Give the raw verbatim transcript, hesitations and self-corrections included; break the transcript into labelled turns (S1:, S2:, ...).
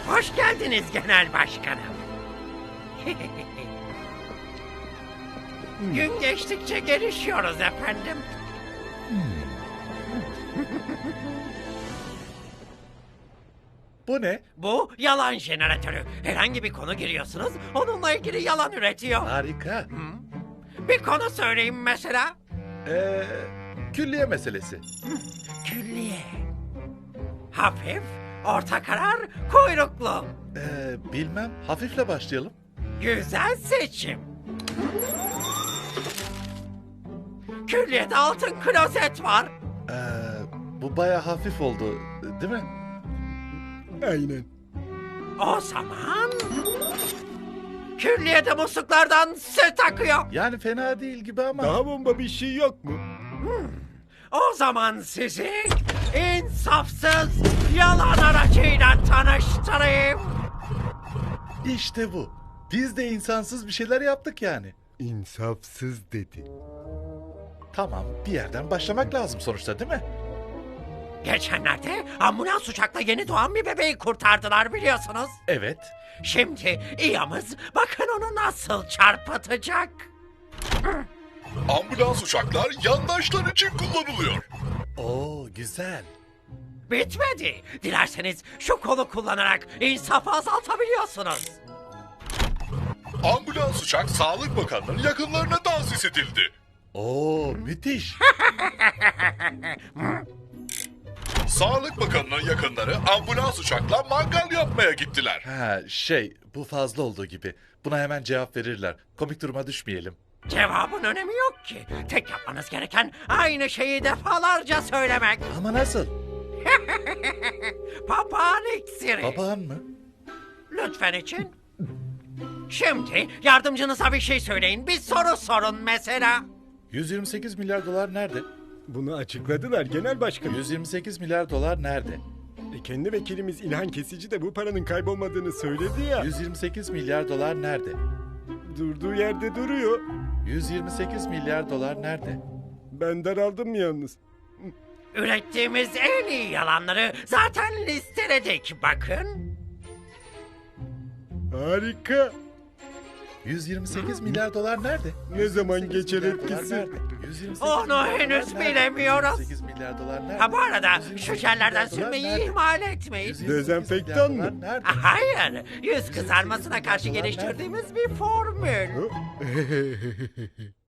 S1: Hoş geldiniz genel başkanım. Gün geçtikçe gelişiyoruz efendim.
S2: Bu ne?
S1: Bu yalan jeneratörü. Herhangi bir konu giriyorsunuz, onunla ilgili yalan üretiyor.
S2: Harika.
S1: Bir konu söyleyin mesela.
S2: Ee, külliye meselesi.
S1: Külliye. Hafif, orta karar, kuyruklu.
S2: Ee, bilmem. Hafifle başlayalım.
S1: Güzel seçim. Külliyede altın klozet var.
S2: Ee, bu baya hafif oldu, değil mi?
S3: Aynen.
S1: O zaman... Külliyede musluklardan süt akıyor.
S2: Yani fena değil gibi ama.
S3: Daha bomba bir şey yok mu?
S1: O zaman sizi insafsız yalan aracıyla tanıştırayım.
S2: İşte bu. Biz de insansız bir şeyler yaptık yani.
S3: İnsafsız dedi.
S2: Tamam, bir yerden başlamak lazım sonuçta, değil mi?
S1: Geçenlerde ambulans uçakla yeni doğan bir bebeği kurtardılar biliyorsunuz.
S2: Evet.
S1: Şimdi İyamız bakın onu nasıl çarpıtacak.
S4: Ambulans uçaklar yandaşlar için kullanılıyor.
S2: Oo, güzel.
S1: Bitmedi. Dilerseniz şu kolu kullanarak insafı azaltabiliyorsunuz.
S4: Ambulans uçak Sağlık Bakanlığı'nın yakınlarına tahsis edildi.
S2: Oo, müthiş.
S4: Sağlık Bakanlığı'nın yakınları ambulans uçakla mangal yapmaya gittiler.
S2: Ha, şey, bu fazla olduğu gibi. Buna hemen cevap verirler. Komik duruma düşmeyelim.
S1: Cevabın önemi yok ki. Tek yapmanız gereken aynı şeyi defalarca söylemek.
S2: Ama nasıl?
S1: Papağan iksiri.
S2: Papağan mı?
S1: Lütfen için. Şimdi yardımcınıza bir şey söyleyin. Bir soru sorun mesela.
S2: yüz yirmi sekiz milyar dolar nerede?
S3: Bunu açıkladılar genel başkanım.
S2: yüz yirmi sekiz milyar dolar nerede?
S3: E, kendi vekilimiz İlhan Kesici de bu paranın kaybolmadığını söyledi ya.
S2: yüz yirmi sekiz milyar dolar nerede?
S3: Durduğu yerde duruyor.
S2: yüz yirmi sekiz milyar dolar nerede?
S3: Ben daraldım yalnız.
S1: Ürettiğimiz en iyi yalanları zaten listeledik bakın.
S3: Harika.
S2: yüz yirmi sekiz milyar dolar nerede?
S3: Ne zaman
S2: yüz yirmi sekiz
S3: geçer
S2: milyar dolar
S3: etkisi?
S2: nerede? yüz yirmi sekiz
S1: Onu
S2: milyar dolar
S1: henüz
S2: nerede?
S1: bilemiyoruz.
S2: yüz yirmi sekiz milyar dolar nerede?
S1: Ha bu arada
S2: yüz yirmi
S1: şu
S2: sekiz
S1: jellerden
S2: milyar dolar
S1: sürmeyi
S2: nerede?
S1: ihmal etmeyin.
S2: yüz yirmi sekiz
S3: Dezenfektan
S2: milyar
S3: mı?
S2: dolar nerede?
S1: Hayır, yüz kızarmasına karşı geliştirdiğimiz bir formül.
S3: Hı?